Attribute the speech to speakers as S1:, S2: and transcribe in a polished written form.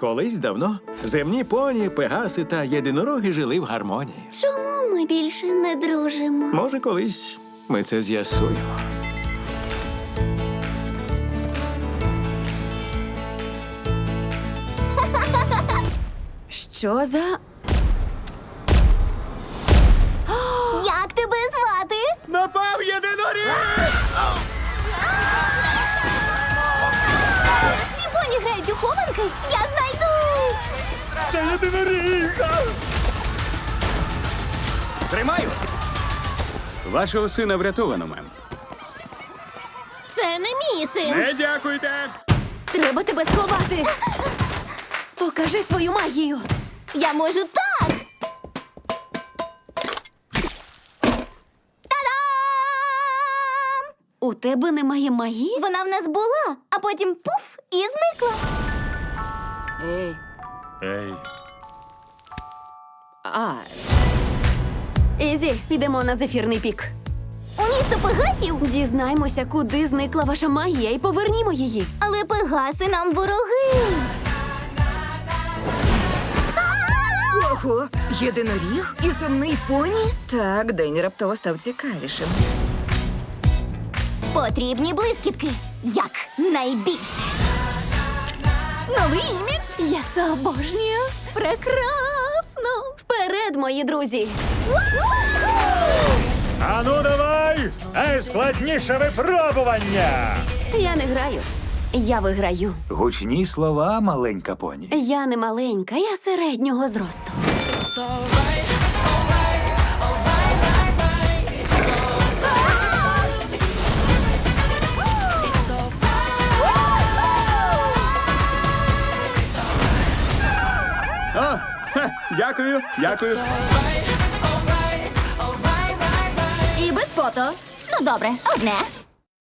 S1: Колись давно земні поні, пегаси та єдинороги жили в гармонії.
S2: Чому ми більше не дружимо?
S1: Може, колись ми це з'ясуємо.
S2: Що за... Як тебе звати?
S1: Напав єдиноріг!
S2: Всі поні грають у хованки? Я знайду!
S1: Це єдиноріг!
S3: Тримаю! Вашого сина врятовано, мем.
S2: Це не мій син.
S1: Не дякуйте!
S2: Треба тебе сховати. Покажи свою магію. Я можу так. Та-дам! У тебе немає магії? Вона в нас була, а потім пуф і зникла.
S4: Ей,
S1: Ей.
S2: Ізі, підемо на зефірний пік. У місто Пегасів? Дізнаймося, куди зникла ваша магія, і повернімо її. Але Пегаси нам вороги.
S4: ого, єдиноріг і земний поні? Так, день раптово став цікавішим.
S2: Потрібні блискітки. Як найбільше. Новий імідж? Я це обожнюю. Прекрасно. Вперед, мої друзі.
S1: Ану давай! Найскладніше випробування!
S2: Я не граю. Я виграю.
S3: Гучні слова, маленька поні.
S2: Я не маленька, я середнього зросту.
S3: О, дякую, дякую.
S2: І без фото. Ну, добре, одне.